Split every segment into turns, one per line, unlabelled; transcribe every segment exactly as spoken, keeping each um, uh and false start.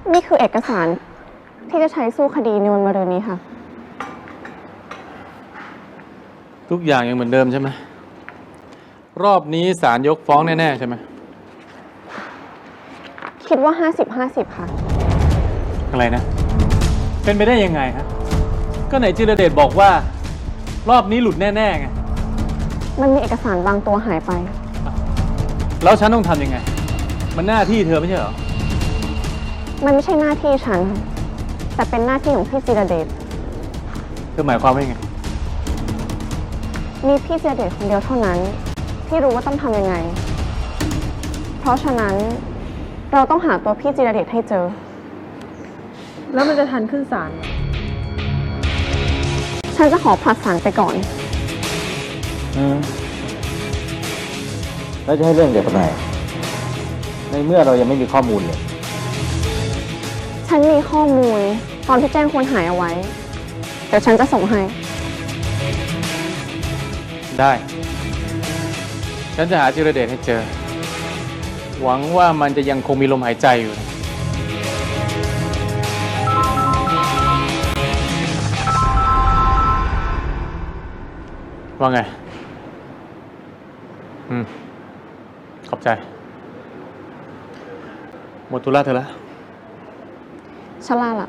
นี่คือเอกสารที่จะใช้สู้คดีในวันมะรืนนี้ค่ะ
ทุกอย่างยังเหมือนเดิมใช่ไหมรอบนี้ศาลยกฟ้องแน่ๆใช่ไหม
คิดว่าห้าสิบห้าสิบค่ะ
อะไรนะเป็นไปได้ยังไงฮะก็ไหนจิรเดชบอกว่ารอบนี้หลุดแน่ๆไง
มันมีเอกสารบางตัวหายไป
แล้วฉันต้องทำยังไงมันหน้าที่เธอไม่ใช่เหรอ
มันไม่ใช่หน้าที่ฉันแต่เป็นหน้าที่ของพี่จิรเดช
เธอหมายความว่ายังไง
มีพี่จิรเดชคนเดียวเท่านั้นที่รู้ว่าต้องทำยังไงเพราะฉะนั้นเราต้องหาตัวพี่จิรเดชให้เจอ
แล้วมันจะทันขึ้นศาล
ฉันจะขอผลัดศาลไปก่อน
อืมแล้วจะให้เรื่องเกี่ยวกับไหนในเมื่อเรายังไม่มีข้อมูลเลย
ฉันมีข้อมูลตอนที่แจ้งคนหายเอาไว้เดี๋ยวฉันจะส่งให้
ได้ฉันจะหาจิรเดชให้เจอหวังว่ามันจะยังคงมีลมหายใจอยู่ว่าไงอืมขอบใจหมดธุระเธอแล้ว
ชลาล่ะ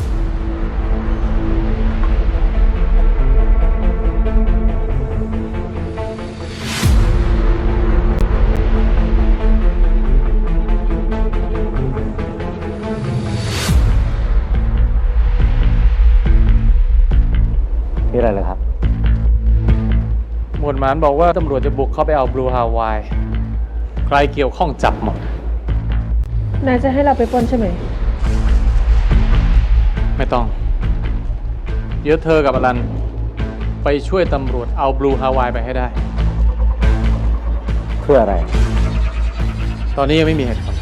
มีอะไรเลยครับ
หมวดหมานบอกว่าตำรวจจะบุกเข้าไปเอาบลูฮาวายใครเกี่ยวข้องจับหมด
นายจะให้เราไปปล้นใช่ไหม
ไม่ต้องเดี๋ยวเธอกับอลันไปช่วยตำรวจเอาบลูฮาวายไปให้ได้
เพื่ออะไร
ตอนนี้ยังไม่มีเหตุผล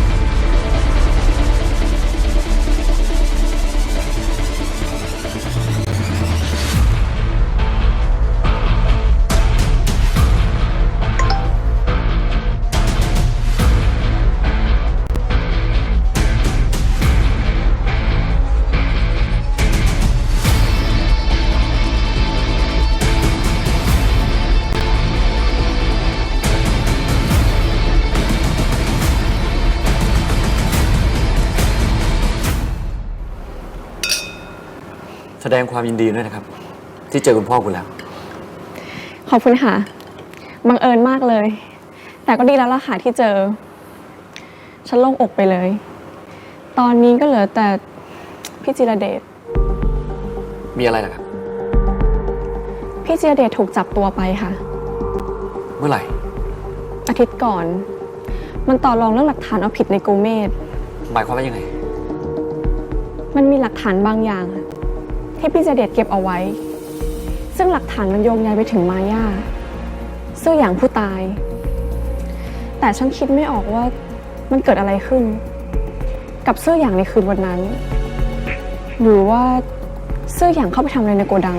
แสดงความยินดีด้วยนะครับที่เจอคุณพ่อคุณแล้ว
ขอบคุณค่ะบังเอิญมากเลยแต่ก็ดีแล้วล่ะค่ะที่เจอฉันโล่งอกไปเลยตอนนี้ก็เหลือแต่พี่จิรเดช
มีอะไรล่ะครับ
พี่จิรเดชถูกจับตัวไปค่ะ
เมื่อไหร่
อาทิตย์ก่อนมันต่อรองเรื่องหลักฐานเอาผิดในโกเมส
หมายความว่ายังไง
มันมีหลักฐานบางอย่างที่พี่จิรเดชเก็บเอาไว้ซึ่งหลักฐานมันโยงใยไปถึงมาย่าเสื้ออย่างผู้ตายแต่ฉันคิดไม่ออกว่ามันเกิดอะไรขึ้นกับเสื้ออย่างในคืนวันนั้นหรือว่าเสื้ออย่างเข้าไปทำอะไรในโกดัง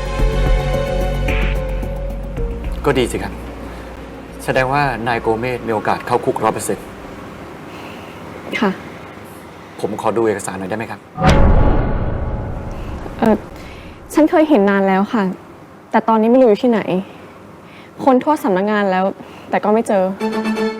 ก็ดีสิครับแสดงว่านายโกเมสมีโอกาสเข้าคุกร้อยเปอร์เซ็นต์
ค่ะ
ผมขอดูเอกสารหน่อยได้ไหมครับ
เออฉันเคยเห็นนานแล้วค่ะแต่ตอนนี้ไม่รู้อยู่ที่ไหนคนทั่วสำนักงานแล้วแต่ก็ไม่เจอ